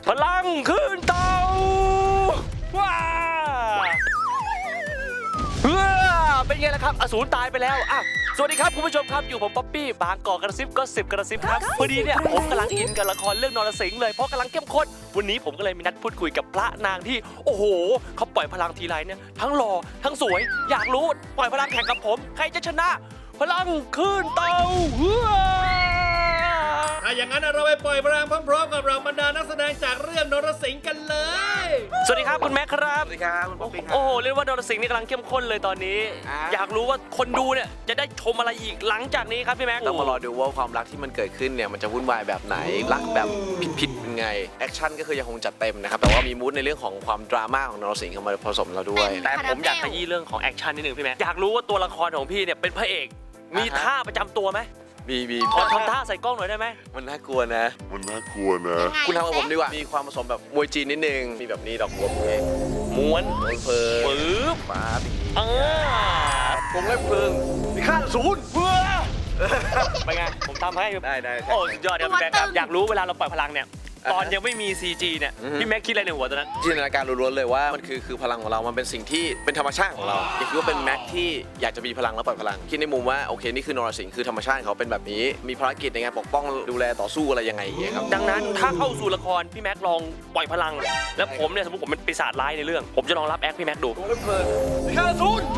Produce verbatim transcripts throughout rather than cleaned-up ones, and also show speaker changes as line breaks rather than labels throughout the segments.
พลังขึ้นเตาว้าเป็นไงล่ะครับอสูรตายไปแล้วอ่ะสวัสดีครับคุณผู้ชมครับอยู่ผมป๊อปปี้บางกอกกระซิบก็สิบกระซิบครับพอดีเนี่ยผมกำลังอินกับละครเรื่องนรสิงห์เลยเพราะกำลังเข้มข้นวันนี้ผมก็เลยมีนัดพูดคุยกับพระนางที่โอ้โหเขาปล่อยพลังทีไรเนี่ยทั้งหล่อทั้งสวยอยากรู้ปล่อยพลังแข่งกับผมใครจะชนะพลังขึ้นเตา
ถ้าอย่างนั้นเราไปปล่อยพลังพร้อมๆกับเราบรรดานักแสดงจากเรื่องนรสิงห์กันเลย
สวัสดีครับคุณแม็กครับ
สวัสดีครับคุณป๊อปปี้ครับ
โอ้โหเรียกว่านรสิงห์นี่กำลังเข้มข้นเลยตอนนี้อยากรู้ว่าคนดูเนี่ยจะได้ชมอะไรอีกหลังจากนี้ครับพี่แม็ก
ต้องมารอดูว่าความรักที่มันเกิดขึ้นเนี่ยมันจะวุ่นวายแบบไหนรักแบบผิดๆเป็นไงแอคชั่นก็คือยังคงจัดเต็มนะครับแต่ว่ามีมูดในเรื่องของความดราม่าของนรสิงห์เข้ามาผสมเราด้วย
แต่ผมอยากขยี้เรื่องของแอคชั่นนิดนึงพี่แม็กอยากรู้ว่าตัวละครของพี่เนี่ยเป็นพระเอกมีท่าประจำตัวไหม
มีมี
ขอทำท่าใส่กล้องหน่อยได้ไหม
มันน่ากลัวนะมันน่ากลัวนะคุณทำกับผมดีกว่ามีความผสมแบบมวยจีนนิดนึงมีแบบนี้ดอกบัวเพลง
ม้วน
เพลิง
ปึ๊บ
ฟ้าปี
เออ
ผมเล่นเพลิงมีค่าศูนย์
เพื่อไปไงผมทำให้
ได้ได้
โอ้สุดยอดครับพี่แม็กครับอยากรู้เวลาเราปล่อยพลังเนี่ยตอนยังไม่มี ซี จี เนี่ยพี่แม็กคิดอะไรในหัวตอนนั้น
จินตนาการล้วนๆเลยว่ามันคือคือพลังของเรามันเป็นสิ่งที่เป็นธรรมชาติของเราอย่าคิดว่าเป็นแม็กที่อยากจะมีพลังแล้วปล่อยพลังคิดในมุมว่าโอเคนี่คือนรสิงห์คือธรรมชาติเขาเป็นแบบนี้มีภารกิจในการปกป้องดูแลต่อสู้อะไรยังไงอย่างเงี้ยครับ
ดังนั้นถ้าเข้าสู่ละครพี่แม็กลองปล่อยพลังแล้วผมเนี่ยสมมติผมเป็นปีศาจร้ายในเรื่องผมจะลองรับแอคพี่แม็กดู
เพลิงมีค่าศูนย์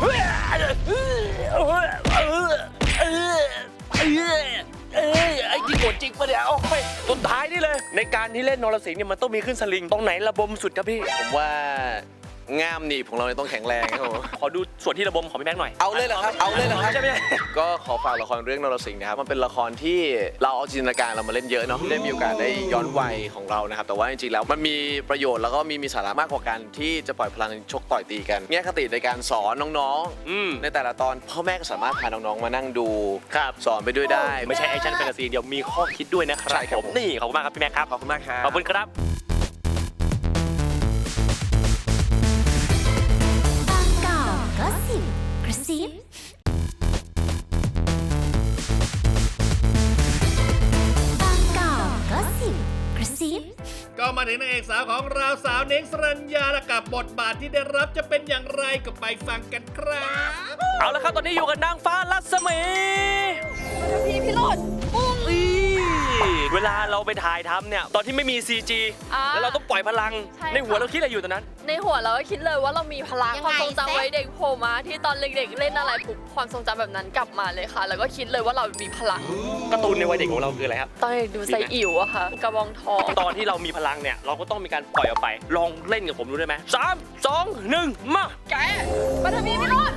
เอ้ยไอ้ที่โกรธจริงปะเนี่ยโอ้ยสุดท้ายนี่เลยในการที่เล่นนรสิงห์เนี่ยมันต้องมีขึ้นสลิงตรงไหนระบมสุดครับพี่
ผมว่าง่ามหนีบของเราต้องแข็งแรงครับผม
ขอดูส่วนที่ระบมของพี่แม็กหน่อย
เอาเลยเหรอครับเอาเลยเหรอครับ
ใช่ไหม
ก็ขอฝากละครเรื่องนรสิงห์นะครับมันเป็นละครที่เราเอาจินตนาการเรามาเล่นเยอะเนาะได้มีโอกาสได้ย้อนวัยของเรานะครับแต่ว่าจริงๆแล้วมันมีประโยชน์แล้วก็มีมีสาระมากกว่าการที่จะปล่อยพลังชกต่อยตีกันแง่คติในการสอนน้องๆในแต่ละตอนพ่อแม่ก็สามารถพาน้องๆมานั่งดูสอนไปด้วยได้
ไม่ใช่แอคชั่นแฟนตาซีเดียวมีข้อคิดด้วยนะครับ
ใช่ครับ
นี่ขอบคุณมากครับพี่แม็กครับ
ขอบคุณมากครับ
ขอบคุณครับ
ก็สิบกระซิบกก็สิบกระซิบ
ก็มาถึงนางเอกสาวของเราสาวเน้งสรัญญาและกับบทบาทที่ได้รับจะเป็นอย่างไรก็ไปฟังกันครับ
เอาละครับตอนนี้อยู่กับนางฟ้ารัศมี
พี่พี่โรดปุ้ง
เวลาเราไปถ่ายทำเนี่ยตอนที่ไม่มี ซี จี แล้วเราต้องปล่อยพลังในหัวเราคิดอะไรอยู่ตอนนั้น
ในหัวเราก็คิดเลยว่าเรามีพลังความทรงจำไว้เด็กโผล่มาที่ตอนเด็กๆเล่นอะไรปุ๊บความทรงจำแบบนั้นกลับมาเลยค่ะแล้วก็คิดเลยว่าเรามีพลัง
การ์ตูนในวัยเด็กของเราคืออะไรครับ
ตอนดูใส่อิ๋วอะค่ะกระบองทอง
ตอนที่เรามีพลังเนี่ยเราก็ต้องมีการปล่อยออกไปลองเล่นกับผมดูได้ไหมสามสองหนึ่งมา
แกปัทวีพี่โรด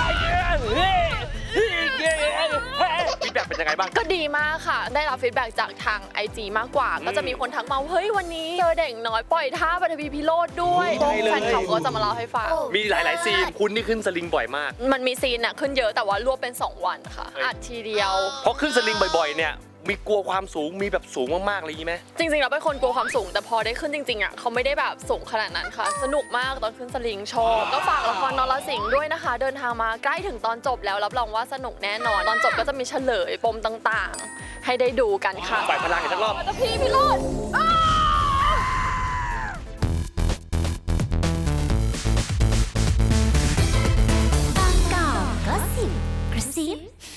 ฟีดแบ็กเป็นยังไงบ้าง
ก็ดีมากค่ะได้รับฟีดแบ็กจากทาง ไอ จี มากกว่าก็จะมีคนทักมาเฮ้ยวันนี้เจอเด็กน้อยปล่อยท่าปัทวีพิโรธด้วยแฟนคลับก็จะมาเล่าให้ฟัง
มีหลายๆซีนคุณนี่ขึ้นสลิงบ่อยมาก
มันมีซีนอะขึ้นเยอะแต่ว่ารวบเป็นสองวันค่ะอัดทีเดียว
เพราะขึ้นสลิงบ่อยๆเนี่ยมีกลัวความสูงมีแบบสูงมากๆอะไรอย่างนี้ไหม
จริงๆเราเป็นคนกลัวความสูงแต่พอได้ขึ้นจริงๆอ่ะเขาไม่ได้แบบสูงขนาดนั้นค่ะสนุกมากตอนขึ้นสลิงชอบก็ฝากละครนรสิงห์ด้วยนะคะเดินทางมาใกล้ถึงตอนจบแล้วรับรองว่าสนุกแน่นอนตอนจบก็จะมีเฉลยปมต่างๆให้ได้ดูกันค่ะ
ปล่อยพลังอีกสักรอบ
พี่พี่โรด
บางกอกก็สิบกระซิบ